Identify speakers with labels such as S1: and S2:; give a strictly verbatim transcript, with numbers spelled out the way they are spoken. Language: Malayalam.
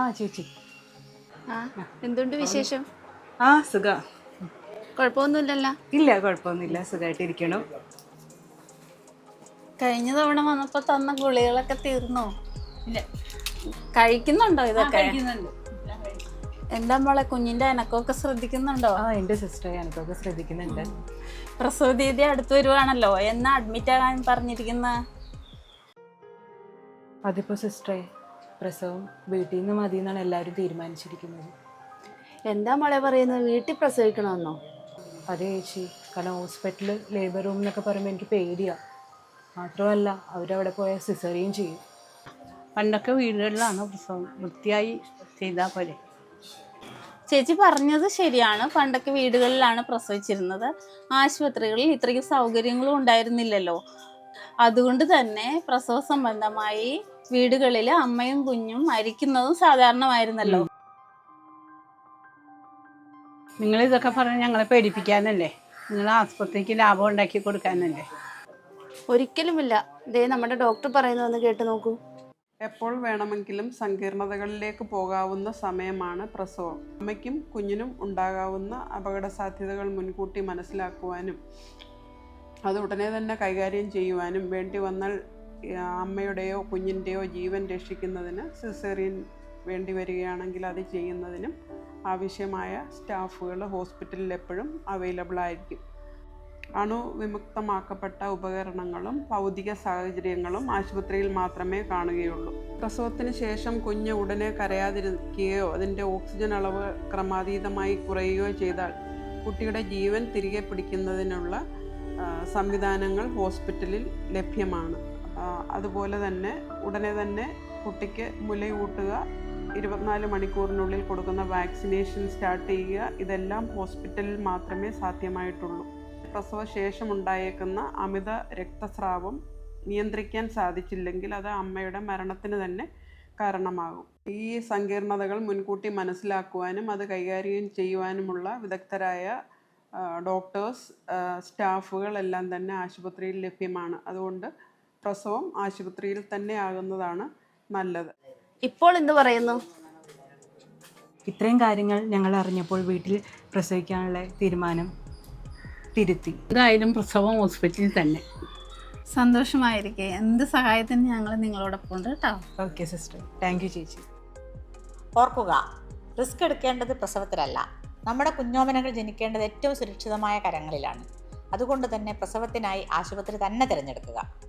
S1: ചേച്ചി.
S2: ആ എന്തുണ്ട് വിശേഷം?
S1: ആ സുഖ.
S2: കുഴപ്പമൊന്നുമില്ലല്ലോ?
S1: ഇല്ല, കുഴപ്പമൊന്നുമില്ല, സുഖമായിട്ടിരിക്കണം.
S2: കഴിഞ്ഞ തവണ വന്നപ്പോ തന്ന ഗുളികളൊക്കെ തീർന്നോ? ഇല്ല. കഴിക്കുന്നുണ്ടോ ഇതൊക്കെ? എന്താ മോളെ, കുഞ്ഞിന്റെ അനക്കമൊക്കെ ശ്രദ്ധിക്കുന്നുണ്ടോ?
S1: ആ എൻ്റെ സിസ്റ്റർ എനിക്കൊക്കെ ശ്രദ്ധിക്കുന്നുണ്ട്.
S2: പ്രസവ തീയതി അടുത്ത് വരുവാണല്ലോ, എന്നാ അഡ്മിറ്റ് ആകാൻ പറഞ്ഞിരിക്കുന്ന?
S1: അതിപ്പോ സിസ്റ്ററെ, പ്രസവം വീട്ടിൽ നിന്ന് മതി എന്നാണ് എല്ലാവരും തീരുമാനിച്ചിരിക്കുന്നത്.
S2: എന്താ മോളെ പറയുന്നത്, വീട്ടിൽ പ്രസവിക്കണമെന്നോ?
S1: അതെ ചേച്ചി, കാരണം ഹോസ്പിറ്റലിൽ ലേബർ റൂം എന്നൊക്കെ പറയുമ്പോൾ എനിക്ക് പേടിയാണ്. മാത്രമല്ല അവരവിടെ പോയാൽ സിസേറിയൻ ചെയ്യും.
S3: പണ്ടൊക്കെ വീടുകളിലാണ് പ്രസവം, വൃത്തിയായി ചെയ്താൽ പോലെ.
S2: ചേച്ചി പറഞ്ഞത് ശരിയാണ്, പണ്ടൊക്കെ വീടുകളിലാണ് പ്രസവിച്ചിരുന്നത്. ആശുപത്രികളിൽ ഇത്രയ്ക്ക് സൗകര്യങ്ങളും ഉണ്ടായിരുന്നില്ലല്ലോ. അതുകൊണ്ട് തന്നെ പ്രസവ സംബന്ധമായി വീടുകളിൽ അമ്മയും കുഞ്ഞും മരിക്കുന്നതും സാധാരണമായിരുന്നല്ലോ.
S3: നിങ്ങളിതൊക്കെ പറഞ്ഞ് ഞങ്ങളെ പേടിപ്പിക്കാനല്ലേ? നിങ്ങൾ ആസ്പത്രിക്ക് ലാഭം ഉണ്ടാക്കി കൊടുക്കാനല്ലേ?
S2: ഒരിക്കലുമില്ല. ദേ നമ്മുടെ ഡോക്ടർ പറയുന്നതെന്ന് കേട്ട് നോക്കൂ.
S4: എപ്പോൾ വേണമെങ്കിലും സങ്കീർണതകളിലേക്ക് പോകാവുന്ന സമയമാണ് പ്രസവം. അമ്മയ്ക്കും കുഞ്ഞിനും ഉണ്ടാകാവുന്ന അപകട സാധ്യതകൾ മുൻകൂട്ടി മനസ്സിലാക്കുവാനും അത് ഉടനെ തന്നെ കൈകാര്യം ചെയ്യുവാനും വേണ്ടി വന്നാൽ അമ്മയുടെയോ കുഞ്ഞിൻ്റെയോ ജീവൻ രക്ഷിക്കുന്നതിന് സിസേറിയൻ വേണ്ടി വരികയാണെങ്കിൽ അത് ചെയ്യുന്നതിനും ആവശ്യമായ സ്റ്റാഫുകൾ ഹോസ്പിറ്റലിൽ എപ്പോഴും അവൈലബിൾ ആയിരിക്കും. അണുവിമുക്തമാക്കപ്പെട്ട ഉപകരണങ്ങളും ഭൗതിക സാഹചര്യങ്ങളും ആശുപത്രിയിൽ മാത്രമേ കാണുകയുള്ളൂ. പ്രസവത്തിന് ശേഷം കുഞ്ഞ് ഉടനെ കരയാതിരിക്കുകയോ അതിൻ്റെ ഓക്സിജൻ അളവ് ക്രമാതീതമായി കുറയുകയോ ചെയ്താൽ കുട്ടിയുടെ ജീവൻ തിരികെ പിടിക്കുന്നതിനുള്ള സംവിധാനങ്ങൾ ഹോസ്പിറ്റലിൽ ലഭ്യമാണ്. അതുപോലെ തന്നെ ഉടനെ തന്നെ കുട്ടിക്ക് മുലയൂട്ടുക, ഇരുപത്തിനാല് മണിക്കൂറിനുള്ളിൽ കൊടുക്കുന്ന വാക്സിനേഷൻ സ്റ്റാർട്ട് ചെയ്യുക, ഇതെല്ലാം ഹോസ്പിറ്റലിൽ മാത്രമേ സാധ്യമായിട്ടുള്ളൂ. പ്രസവശേഷം ഉണ്ടായേക്കുന്ന അമിത രക്തസ്രാവം നിയന്ത്രിക്കാൻ സാധിച്ചില്ലെങ്കിൽ അത് അമ്മയുടെ മരണത്തിന് തന്നെ കാരണമാകും. ഈ സങ്കീർണതകൾ മുൻകൂട്ടി മനസ്സിലാക്കുവാനും അത് കൈകാര്യം ചെയ്യുവാനുമുള്ള വിദഗ്ധരായ ഡോക്ടേഴ്സ്, സ്റ്റാഫുകൾ എല്ലാം തന്നെ ആശുപത്രിയിൽ ലഭ്യമാണ്. അതുകൊണ്ട് പ്രസവം ആശുപത്രിയിൽ തന്നെ ആകുന്നതാണ് നല്ലത്.
S2: ഇപ്പോൾ എന്ത് പറയുന്നു?
S1: ഇത്രയും കാര്യങ്ങൾ ഞങ്ങൾ അറിഞ്ഞപ്പോൾ വീട്ടിൽ പ്രസവിക്കാനുള്ള തീരുമാനം തിരുത്തി.
S3: എന്തായാലും പ്രസവം ഹോസ്പിറ്റലിൽ തന്നെ.
S2: സന്തോഷമായിരിക്കെ. എന്ത് സഹായത്തിന് ഞങ്ങൾ നിങ്ങളോടൊപ്പം ഉണ്ട് കേട്ടോ.
S1: ഓക്കെ സിസ്റ്റർ, താങ്ക് യു ചേച്ചി.
S5: ഓർക്കുക, റിസ്ക് എടുക്കേണ്ടത് പ്രസവത്തിലല്ല, നമ്മുടെ കുഞ്ഞോമനകൾ ജനിക്കേണ്ടത് ഏറ്റവും സുരക്ഷിതമായ കരങ്ങളിലാണ്. അതുകൊണ്ട് തന്നെ പ്രസവത്തിനായി ആശുപത്രി തന്നെ തിരഞ്ഞെടുക്കുക.